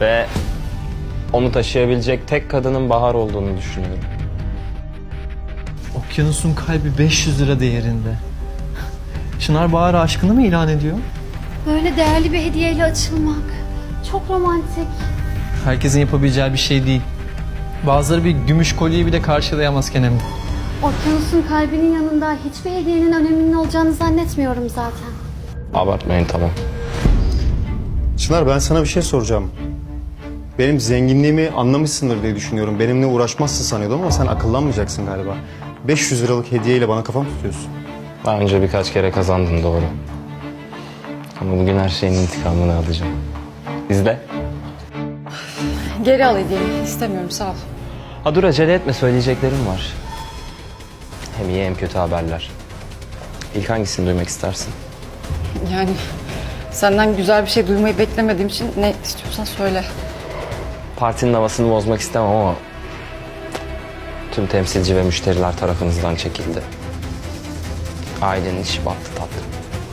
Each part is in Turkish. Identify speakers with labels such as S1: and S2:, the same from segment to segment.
S1: Ve onu taşıyabilecek tek kadının Bahar olduğunu düşünüyorum.
S2: Okyanusun kalbi 500 lira değerinde. Çınar Bahar'a aşkını mı ilan ediyor?
S3: Böyle değerli bir hediyeyle açılmak. Çok romantik.
S2: Herkesin yapabileceği bir şey değil. Bazıları bir gümüş kolyeyi bile karşılayamaz Kenem'de.
S3: Okyanusun kalbinin yanında hiçbir hediyenin öneminin olacağını zannetmiyorum zaten.
S1: Abartmayın, tamam.
S4: Çınar, ben sana bir şey soracağım. Benim zenginliğimi anlamışsındır diye düşünüyorum. Benimle uğraşmazsın sanıyordum ama sen akıllanmayacaksın galiba. 500 liralık hediyeyle bana kafam tutuyorsun.
S1: Daha önce birkaç kere kazandın, doğru. Ama bugün her şeyin intikamını alacağım. İzle.
S5: Geri al hediyemi. İstemiyorum, sağ ol.
S1: Ha dur, acele etme, söyleyeceklerim var. Hem iyi hem kötü haberler. İlk hangisini duymak istersin?
S5: Yani senden güzel bir şey duymayı beklemediğim için ne istiyorsan söyle.
S1: Partinin havasını bozmak istemem ama tüm temsilci ve müşteriler tarafınızdan çekildi. Ailenin işi battı tatlım.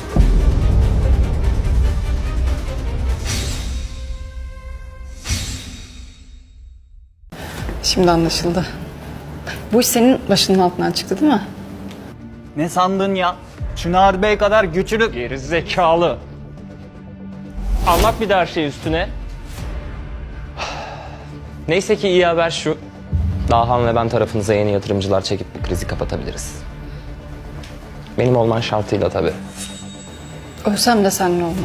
S5: Şimdi anlaşıldı. Bu iş senin başının altından çıktı değil mi?
S6: Ne sandın ya? Çınar Bey kadar güçlü...
S1: Geri zekalı. Anlat bir de her şey üstüne. Neyse ki iyi haber şu. Dahan ve ben tarafınıza yeni yatırımcılar çekip bu krizi kapatabiliriz. Benim olman şartıyla tabii.
S5: Ölsem de seninle olmam.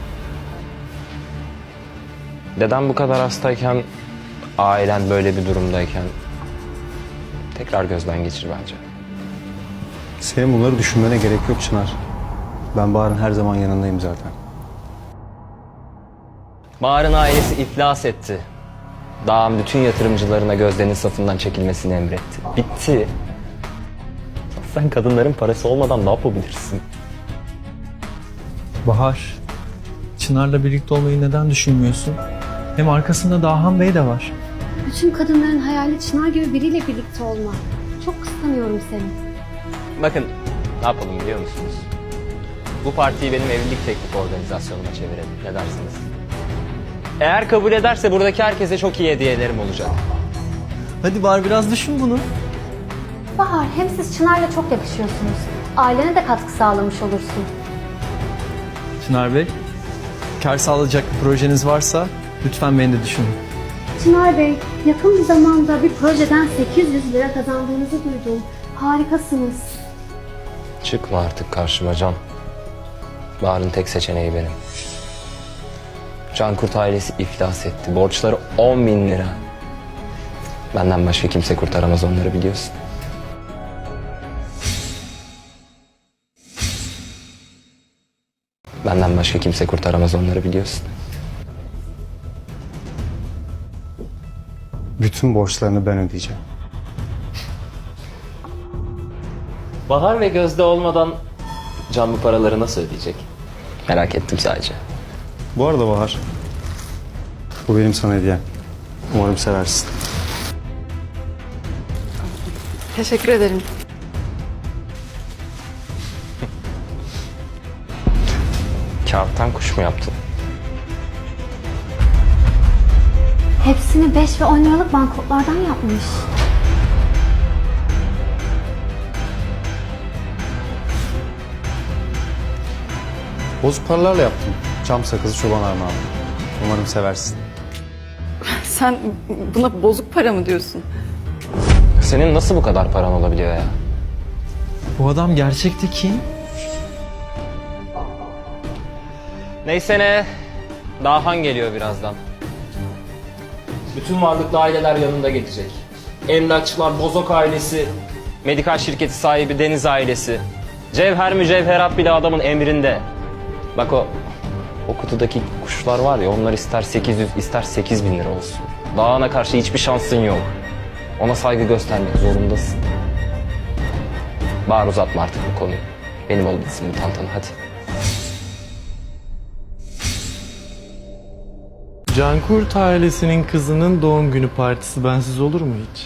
S1: Dedem bu kadar hastayken, ailen böyle bir durumdayken tekrar gözden geçir bence.
S4: Senin bunları düşünmene gerek yok Çınar. Ben Bahar'ın her zaman yanındayım zaten.
S1: Bahar'ın ailesi iflas etti. Dağın bütün yatırımcılarına Gözde'nin safından çekilmesini emretti. Bitti. Sen kadınların parası olmadan ne yapabilirsin?
S2: Bahar, Çınar'la birlikte olmayı neden düşünmüyorsun? Hem arkasında Dahan Bey de var.
S3: Bütün kadınların hayali Çınar gibi biriyle birlikte olmak. Çok kıskanıyorum seni.
S1: Bakın, ne yapalım biliyor musunuz? Bu partiyi benim evlilik teklif organizasyonuma çevirelim. Ne dersiniz? Eğer kabul ederse buradaki herkese çok iyi hediyelerim olacak.
S2: Hadi Bahar, biraz düşün bunu.
S3: Bahar, hem siz Çınar'la çok yakışıyorsunuz. Ailene de katkı sağlamış olursun.
S2: Çınar Bey, kar sağlayacak bir projeniz varsa lütfen beni de düşünün.
S3: Çınar Bey, yakın bir zamanda bir projeden 800 lira kazandığınızı duydum. Harikasınız.
S1: Çıkma artık karşıma Can. Bahar'ın tek seçeneği benim. Cankurt ailesi iflas etti. Borçları 10.000 lira. Benden başka kimse kurtaramaz onları, biliyorsun. Benden başka kimse kurtaramaz onları, biliyorsun.
S4: Bütün borçlarını ben ödeyeceğim.
S1: Bahar ve Gözde olmadan Can bu paraları nasıl ödeyecek? Merak ettim sadece.
S4: Bu arada Bahar, bu benim sana hediyem. Umarım seversin.
S5: Teşekkür ederim.
S1: Kağıttan kuş mu yaptın?
S3: Hepsini 5 ve 10 liralık banknotlardan yapmış.
S4: Bozuk paralarla yaptım. Çam sakızı çoban armağanı. Umarım seversin.
S5: Sen buna bozuk para mı diyorsun?
S1: Senin nasıl bu kadar paran olabiliyor ya?
S2: Bu adam gerçekte kim?
S1: Neyse ne, Dahan geliyor birazdan. Bütün varlıklı aileler yanında gelecek. Emlakçılar, Bozok ailesi, medikal şirketi sahibi Deniz ailesi. Cevher mücevherat bile adamın emrinde. Bak o kutudaki kuşlar var ya, onlar ister 800 ister 8.000 lira olsun. Dahan'a karşı hiçbir şansın yok. Ona saygı göstermek zorundasın. Bahar, uzatma artık bu konuyu. Benim ol bitsin bu tantana, hadi.
S7: Cankurt ailesinin kızının doğum günü partisi bensiz olur mu hiç?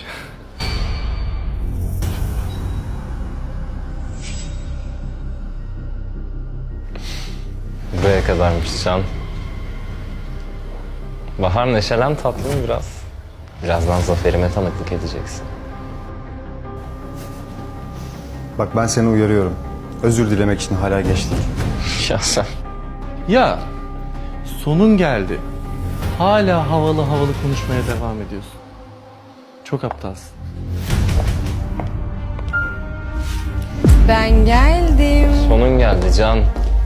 S1: Buraya kadarmış Can. Bahar neşelen tatlım biraz. Birazdan zaferime tanıklık edeceksin.
S4: Bak ben seni uyarıyorum. Özür dilemek için hala geç değil.
S1: Ya sen...
S7: Ya sonun geldi. Hala havalı havalı konuşmaya devam ediyorsun. Çok aptalsın.
S5: Ben geldim.
S1: Sonun geldi Can.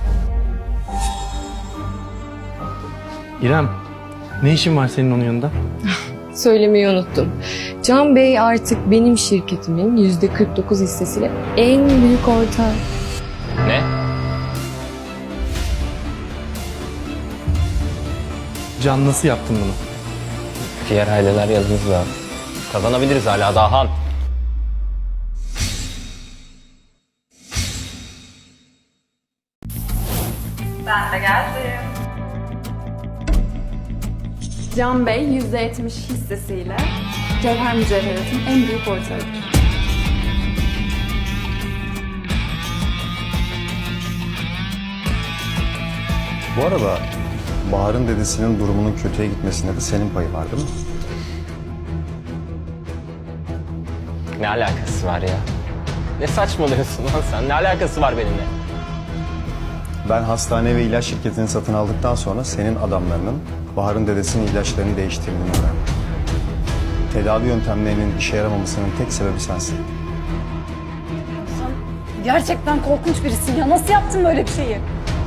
S7: İrem, ne işin var senin onun yanında?
S8: Söylemeyi unuttum. Can Bey artık benim şirketimin %49 hissesiyle en büyük ortağı.
S1: Ne?
S7: Can, nasıl yaptın bunu?
S1: Diğer aileler yanımızda. Kazanabiliriz hala Dahan.
S9: Can Bey %70 hissesiyle Cevher Mücevherat'ın en büyük ortağıdır.
S4: Bu arada Bahar'ın dedesinin durumunun kötüye gitmesinde de senin payı var değil mi?
S1: Ne alakası var ya? Ne saçmalıyorsun lan sen? Ne alakası var benimle?
S4: Ben hastane ve ilaç şirketini satın aldıktan sonra senin adamlarının Bahar'ın dedesinin ilaçlarını değiştirdiğini öğrendim. Tedavi yöntemlerinin işe yaramamasının tek sebebi sensin.
S5: Gerçekten korkunç birisin ya. Nasıl yaptın böyle bir şeyi?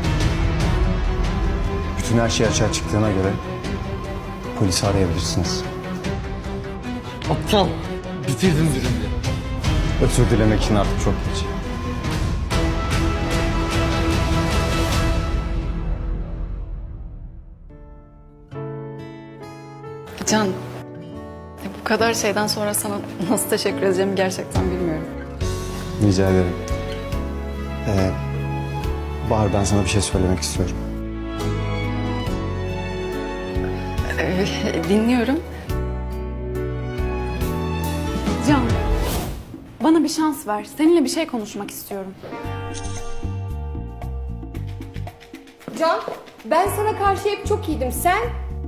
S4: Bütün her şey açığa çıktığına göre polisi arayabilirsiniz.
S7: Aptal. Bitirdin ürünü.
S4: Özür dilemek için artık çok geç.
S5: Can, bu kadar şeyden sonra sana nasıl teşekkür edeceğimi gerçekten bilmiyorum.
S4: Rica ederim. Bahar ben sana bir şey söylemek istiyorum.
S5: Dinliyorum.
S9: Can, bana bir şans ver. Seninle bir şey konuşmak istiyorum.
S8: Can, ben sana karşı hep çok iyiydim. Sen?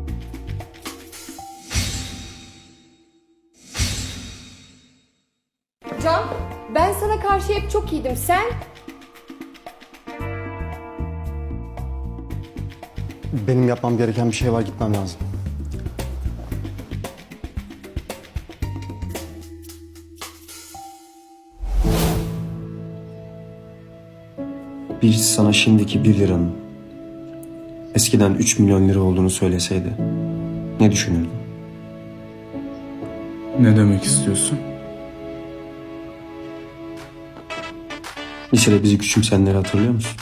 S8: Can, ben sana karşı hep çok iyiydim. Sen?
S4: Benim yapmam gereken bir şey var, gitmem lazım. Birisi sana şimdiki 1 liranın eskiden 3 milyon lira olduğunu söyleseydi ne düşünürdün?
S7: Ne demek istiyorsun?
S4: Lisede bizi küçümseyenleri hatırlıyor musun?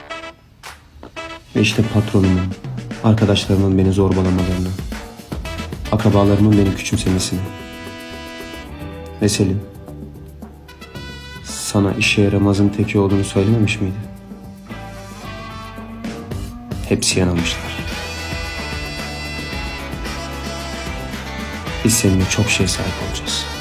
S4: Ve işte patronumun, arkadaşlarımın beni zorbalamalarını, akrabalarımın beni küçümsemesini. Ve Selim, sana işe yaramazın teki olduğunu söylememiş miydi? Hepsi yanılmışlar. Biz seninle çok şey sahip olacağız.